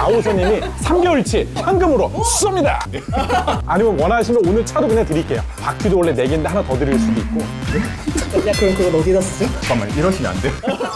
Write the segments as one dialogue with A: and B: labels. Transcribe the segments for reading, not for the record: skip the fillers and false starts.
A: 나오선님이 3개월치 현금으로 쏩니다. 아니면 원하시면 오늘 차도 그냥 드릴게요. 바퀴도 원래 4개인데 하나 더 드릴 수도 있고.
B: 야, 그럼 그건 어디다 쓰죠?
C: 잠깐만, 이러시면 안 돼요.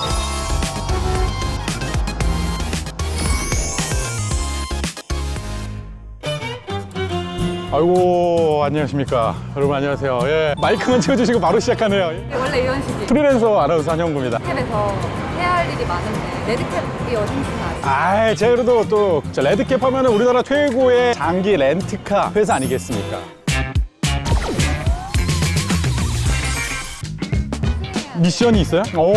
A: 아이고, 안녕하십니까. 여러분 안녕하세요. 예, 마이크만 채워주시고 바로 시작하네요. 예.
D: 원래 이런 식이에요.
A: 프리랜서 아나운서 한영구입니다.
D: 랩에서 해야 할 일이 많은데 레드캡이 어딘지는 아시죠?
A: 아, 제가 그래도 또 레드캡 하면 우리나라 최고의 장기 렌트카 회사 아니겠습니까? 미션이 있어요? 오.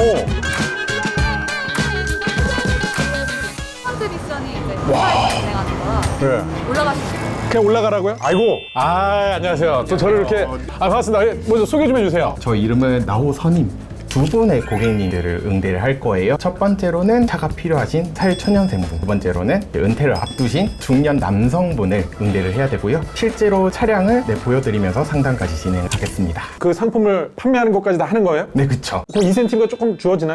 D: 펀드 미션이 이제 회사에서 진행하는 거라
A: 네.
D: 올라가시죠.
A: 그냥 올라가라고요? 아이고. 아, 안녕하세요. 또 저를 이렇게. 아, 반갑습니다. 예, 먼저 소개 좀 해주세요.
C: 저 이름은 나호선임. 두 분의 고객님들을 응대를 할 거예요. 첫 번째로는 차가 필요하신 사회초년생분, 두 번째로는 은퇴를 앞두신 중년 남성분을 응대를 해야 되고요. 실제로 차량을 보여드리면서 상담까지 진행하겠습니다.
A: 그 상품을 판매하는 것까지 다 하는 거예요?
C: 네, 그쵸.
A: 그럼 인센티브가 조금 주어지나요?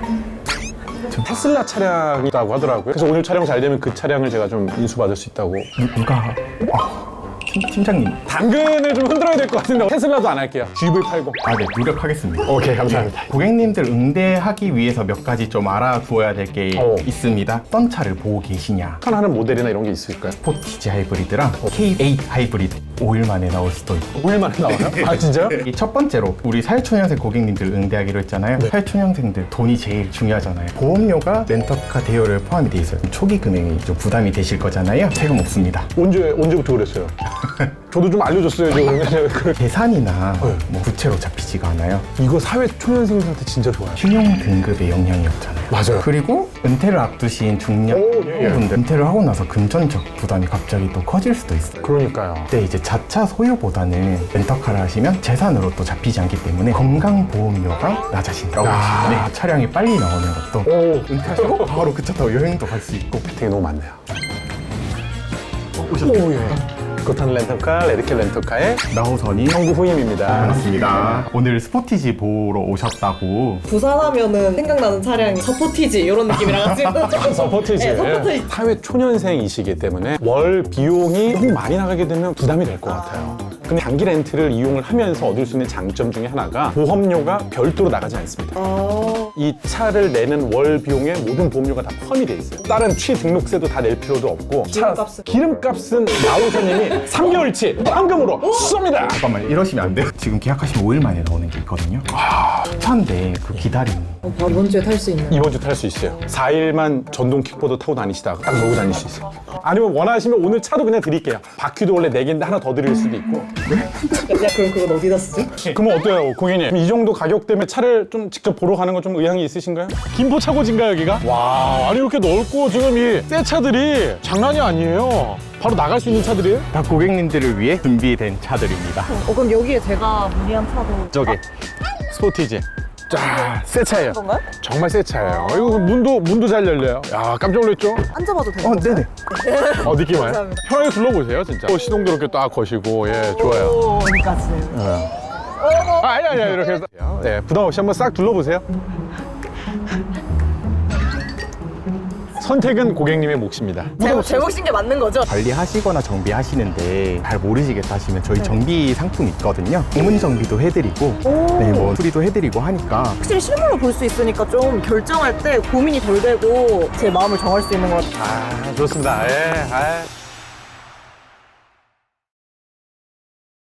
A: 테슬라 차량이라고 하더라고요. 그래서 오늘 촬영 잘 되면 그 차량을 제가 좀 인수받을 수 있다고.
C: 누가? 팀장님.
A: 당근을 좀 흔들어야 될 것 같은데 테슬라도 안 할게요. GV80.
C: 아, 네, 노력하겠습니다.
A: 오케이, 감사합니다.
C: 고객님들 응대하기 위해서 몇 가지 좀 알아두어야 될 게 있습니다. 어떤 차를 보고 계시냐?
A: 추천하는 모델이나 이런 게 있을까요?
C: 스포티지 하이브리드랑 K8 하이브리드 5일 만에 나올 수도 있고.
A: 5일 만에 나와요? 아, 진짜요?
C: 이 첫 번째로 우리 사회초년생 고객님들 응대하기로 했잖아요. 사회초년생들 돈이 제일 중요하잖아요. 보험료가 렌터카 대여를 포함이 돼 있어요. 초기 금액이 좀 부담이 되실 거잖아요. 세금 없습니다.
A: 언제부터 그랬어요? 저도 좀 알려줬어요.
C: 계산이나 뭐 부채로 잡히지가 않아요.
A: 이거 사회 초년생들한테 진짜 좋아요.
C: 신용 등급의 영향이 없잖아요.
A: 맞아요.
C: 그리고 은퇴를 앞두신 중년
A: 예.
C: 분들 은퇴를 하고 나서 금전적 부담이 갑자기 또 커질 수도 있어요.
A: 그러니까요.
C: 그때 이제 자차 소유보다는 렌터카를 하시면 재산으로 또 잡히지 않기 때문에 건강보험료가 낮아진다고
A: 야.
C: 보시면 네, 차량이 빨리 나오는 것도
A: 오,
C: 은퇴하시고 바로 그 차 타고 여행도 갈 수 있고.
A: 되게 너무 많네요. 오, 예. 그렇다는 렌터카, 레드캡 렌터카의
C: 나호선이
A: 형구 후임입니다.
C: 반갑습니다. 오늘 스포티지 보러 오셨다고.
B: 부산하면은 생각나는 차량이 서포티지 이런 느낌이라 가지고
A: 서포티지.
B: 네, 서포티지.
A: 사회 초년생이시기 때문에 월 비용이 너무 많이 나가게 되면 부담이 될 것 같아요. 근데 장기 렌트를 이용을 하면서 얻을 수 있는 장점 중에 하나가 보험료가 별도로 나가지 않습니다. 이 차를 내는 월 비용에 모든 보험료가 다 포함이 돼 있어요. 다른 취등록세도 다 낼 필요도 없고 기름값은 나오선님이 3개월치 현금으로 쏩니다.
C: 잠깐만, 이러시면 안 돼요. 지금 계약하시면 5일 만에 나오는 게 있거든요. 차인데 그 기다림.
B: 바로 이번 주에 탈 수 있는
A: 이번 주 탈 수 있어요. 4일만 전동 킥보드 타고 다니시다가 딱 몰고 다닐 수 있어요. 아니면 원하시면 오늘 차도 그냥 드릴게요. 바퀴도 원래 4개인데 하나 더 드릴 수도 있고.
B: 야, 그럼 그건 어디다 쓰죠?
A: 그러면 어때요, 고객님? 이 정도 가격 때문에 차를 좀 직접 보러 가는 건 좀 의향이 있으신가요? 김포 차고지인가 여기가? 와, 아니 이렇게 넓고 지금 이 새 차들이 장난이 아니에요. 바로 나갈 수 있는 차들이에요?
C: 다 고객님들을 위해 준비된 차들입니다.
B: 그럼 여기에 제가 문의한 차도
A: 저기 스포티지. 자, 새 차예요.
B: 건가요?
A: 정말 새 차예요. 이거 문도 잘 열려요. 야, 깜짝 놀랐죠?
B: 앉아봐도 되나요?
C: 네네.
A: 느낌 와요?
B: 감사합니다.
A: 편하게 둘러보세요, 진짜. 시동도 이렇게 딱 거시고, 예, 좋아요.
B: 어디까지?
A: 아니, 이렇게 해서. 네, 부담 없이 한번 싹 둘러보세요. 선택은 고객님의 몫입니다.
B: 제 몫인 게 맞는 거죠?
C: 관리하시거나 정비하시는데 잘 모르시겠다 하시면 저희 정비 상품 있거든요. 고문 정비도 해드리고, 네, 뭐 수리도 해드리고 하니까.
B: 확실히 실물로 볼 수 있으니까 좀 결정할 때 고민이 덜 되고 제 마음을 정할 수 있는 것 같아요.
A: 아, 좋습니다. 예,